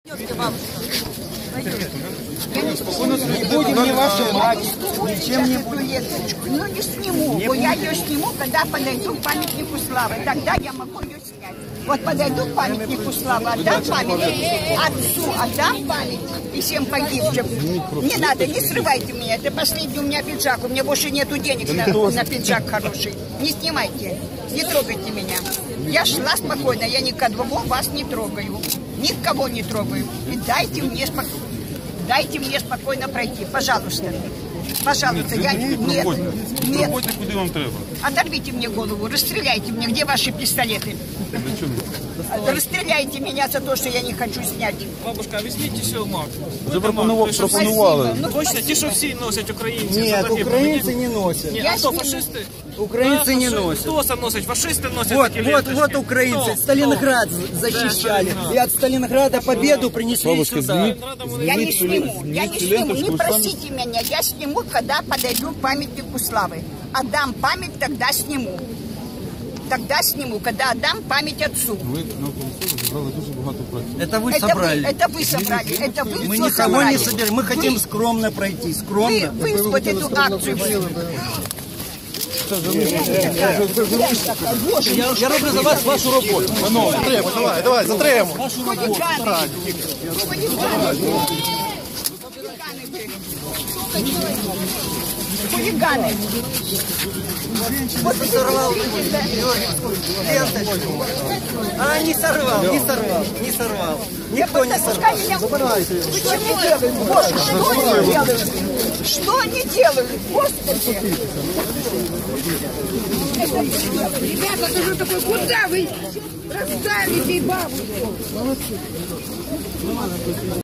Не будем ни вашу мать, ничем не будем. Ну не сниму, бо я ее сниму, когда подойду к памятнику славы. Тогда я могу ее снять. Вот подойду к памятнику славы, отдам памятник отцу, отдам память и всем погибшим. Не надо, не срывайте меня, это последний у меня пиджак, у меня больше нету денег на пиджак хороший. Не снимайте, не трогайте меня. Я шла спокойно, я никого вас не трогаю, никого не трогаю. И дайте мне спокойно пройти, пожалуйста. Пожалуйста, я... Нет. Куди вам треба? Оторвите мне голову, расстреляйте мне. Где ваши пистолеты? Расстреляйте меня за то, что я не хочу снять. Бабушка, візьміть ще мак. Вже пропонували. Точно, ті, що всі носять українці. Нет, украинцы не носят. Ні, а хто, фашисти? Украинцы не носят. Хто це носить? Фашисти носять такі ленточки. Вот украинцы Сталинград защищали. И от Сталинграда победу принесли Бабушка, сюда. Я не сниму, не просите меня. Я сниму, когда подойду к памятнику славы. Отдам память, тогда сниму. Тогда сниму, когда отдам память отцу. Ви на Конституцію зібрали дуже багато праці. Это вы собрали. Это вы собрали. Это вы Мы все никого собрали. не собираем. Мы хотим скромно пройти. Скромно. Вы вот эту акцию. Я роблю за вас вашу роботу. Давай, затримуй. Хулиганы. Вот ты сорвал ленточку. А, не сорвал. Никто не сорвал. Что они делают? Господи! Ребята, ты же такой, куда вы раздавите бабушку?